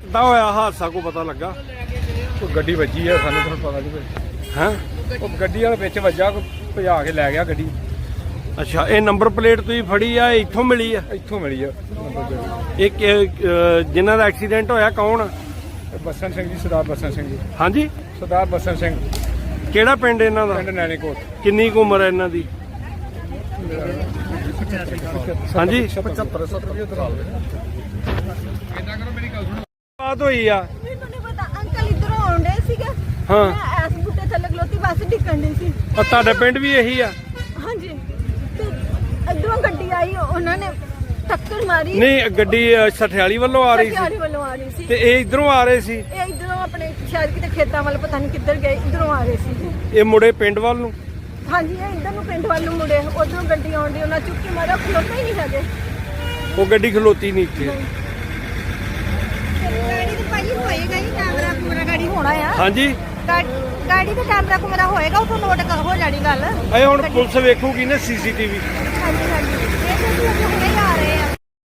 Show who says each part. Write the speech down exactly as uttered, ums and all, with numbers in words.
Speaker 1: ਕਿੱਦਾਂ ਹੋਇਆ ਹਾਦਸਾ ਕੋ ਪਤਾ ਲੱਗਾ?
Speaker 2: ਕੋਈ ਗੱਡੀ ਵੱਜੀ ਆ, ਸਾਨੂੰ ਤੁਹਾਨੂੰ ਪਤਾ ਨਹੀਂ
Speaker 1: ਹੈਂ?
Speaker 2: ਉਹ ਗੱਡੀ ਵਾਲੇ ਵਿੱਚ ਵੱਜਾ, ਕੋਈ ਭਜਾ ਕੇ ਲੈ ਗਿਆ ਗੱਡੀ।
Speaker 1: ਅੱਛਾ, ਇਹ ਨੰਬਰ ਪਲੇਟ ਤੁਸੀਂ ਫੜੀ ਆ, ਇੱਥੋਂ ਮਿਲੀ ਆ?
Speaker 2: ਇੱਥੋਂ ਮਿਲੀ ਆ ਨੰਬਰ ਪਲੇਟ।
Speaker 1: ਇਹ ਕਿ- ਅਹ ਜਿਨ੍ਹਾਂ ਦਾ ਐਕਸੀਡੈਂਟ ਹੋਇਆ ਕੌਣ ਆ?
Speaker 2: ਇਹ ਬਸਨ ਸਿੰਘ ਜੀ, ਸਰਦਾਰ ਬਸਨ ਸਿੰਘ ਜੀ।
Speaker 1: ਹਾਂਜੀ,
Speaker 2: ਸਰਦਾਰ ਬਸਨ ਸਿੰਘ,
Speaker 1: ਕਿਹੜਾ ਪਿੰਡ ਇਹਨਾਂ ਦਾ?
Speaker 2: ਪਿੰਡ ਨੈਣੇਕੋਟ।
Speaker 1: ਕਿੰਨੀ ਕੁ ਉਮਰ ਹੈ ਇਹਨਾਂ ਦੀ? ਹਾਂਜੀ,
Speaker 2: ਪਚੱਤਰ ਸੱਤਰ
Speaker 1: ਬਾਤ ਹੋਈ ਆ?
Speaker 3: ਮੈਨੂੰ ਨਹੀਂ ਪਤਾ, ਅੰਕਲ ਇਧਰੋਂ ਆਉਂਦੇ ਸੀਗੇ।
Speaker 1: ਹਾਂ।
Speaker 3: ਮੈਂ ਐਸ ਬੁੱਟੇ ਥੱਲੇ ਖਲੋਤੀ, ਬੱਸ ਡਿੱਗਣ ਦੀ ਸੀ।
Speaker 1: ਆ ਤੁਹਾਡੇ ਪਿੰਡ ਵੀ ਇਹੀ ਆ?
Speaker 3: ਹਾਂਜੀ, ਤੇ ਇਧਰੋਂ ਗੱਡੀ ਆਈ, ਉਹਨਾਂ ਨੇ ਟੱਕਰ ਮਾਰੀ।
Speaker 1: ਨਹੀਂ, ਗੱਡੀ ਅ, ਸਠਿਆਲੀ ਵੱਲੋਂ ਆ ਰਹੀ
Speaker 3: ਸਠਿਆਲੀ
Speaker 1: ਸੀ
Speaker 3: ਵੱਲੋਂ ਆ ਰਹੀ ਸੀ।
Speaker 1: ਤੇ ਇਹ ਇਧਰੋਂ ਆ ਰਹੇ ਸੀ?
Speaker 3: ਇਹ ਇਧਰੋਂ ਆਪਣੇ ਸ਼ਾਇਦ ਕਿਤੇ ਖੇਤਾਂ ਵੱਲ, ਪਤਾ ਨਹੀਂ ਕਿੱਧਰ ਗਏ, ਇਧਰੋਂ ਆ ਰਹੇ ਸੀ।
Speaker 1: ਇਹ ਮੁੜੇ ਪਿੰਡ ਵੱਲ ਨੂੰ?
Speaker 3: ਹਾਂਜੀ, ਇਹ ਇਧਰ ਨੂੰ ਪਿੰਡ ਵੱਲ ਨੂੰ ਮੁੜੇ, ਉਧਰੋਂ ਗੱਡੀ ਆਉਂਦੀ, ਉਹਨਾਂ ਚੁੱਕੀ ਮਾਰਿਆ, ਖਲੋਤੇ ਹੀ ਨਹੀਂ ਹੈਗੇ।
Speaker 1: ਉਹ ਗੱਡੀ ਖਲੋਤੀ ਨਹੀਂ ਇੱਥੇ?
Speaker 3: ਗਾੜੀ ਤੇ ਭਾਈ ਹੋਏਗਾ ਹੀ, ਕੈਮਰਾ ਕੁਮਰਾ ਗਾੜੀ ਹੋਣਾ ਆ।
Speaker 1: ਹਾਂਜੀ,
Speaker 3: ਗਾੜੀ ਤੇ ਕੈਮਰਾ ਕੁਮਰਾ ਹੋਏਗਾ, ਉਥੋਂ ਨੋਟ ਹੋ ਜਾਣੀ ਗੱਲ।
Speaker 1: ਇਹ ਹੁਣ ਪੁਲਿਸ ਵੇਖੂਗੀ ਨਾ ਸੀਸੀਟੀਵੀ।
Speaker 3: ਹਾਂਜੀ ਹਾਂਜੀ, ਇਹ ਤਾਂ ਅਸੀਂ ਹੁਣੇ